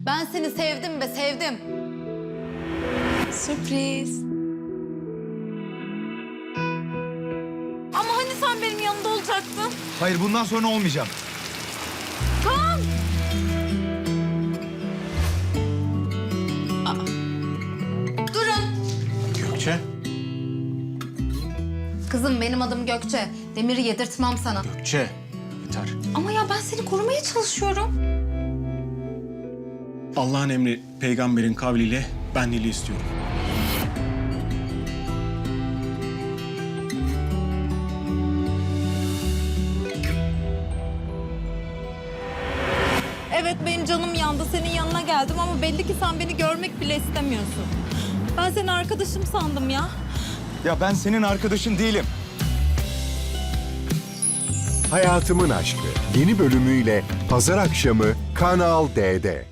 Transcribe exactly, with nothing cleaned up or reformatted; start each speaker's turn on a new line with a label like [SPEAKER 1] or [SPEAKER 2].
[SPEAKER 1] Ben seni sevdim be, sevdim.
[SPEAKER 2] Sürpriz. Ama hani sen benim yanımda olacaktın?
[SPEAKER 3] Hayır, bundan sonra olmayacağım.
[SPEAKER 2] Kaan!
[SPEAKER 1] Durun.
[SPEAKER 4] Gökçe.
[SPEAKER 1] Kızım benim adım Gökçe. Demir'i yedirtmem sana.
[SPEAKER 4] Gökçe. Yeter.
[SPEAKER 1] Ama ya ben seni korumaya çalışıyorum.
[SPEAKER 4] Allah'ın emri peygamberin kavliyle ben Nil'i istiyorum.
[SPEAKER 2] Evet benim canım yandı. Senin yanına geldim ama belli ki sen beni görmek bile istemiyorsun. Ben seni arkadaşım sandım ya.
[SPEAKER 3] Ya ben senin arkadaşın değilim.
[SPEAKER 5] Hayatımın Aşkı yeni bölümüyle pazar akşamı Kanal D'de.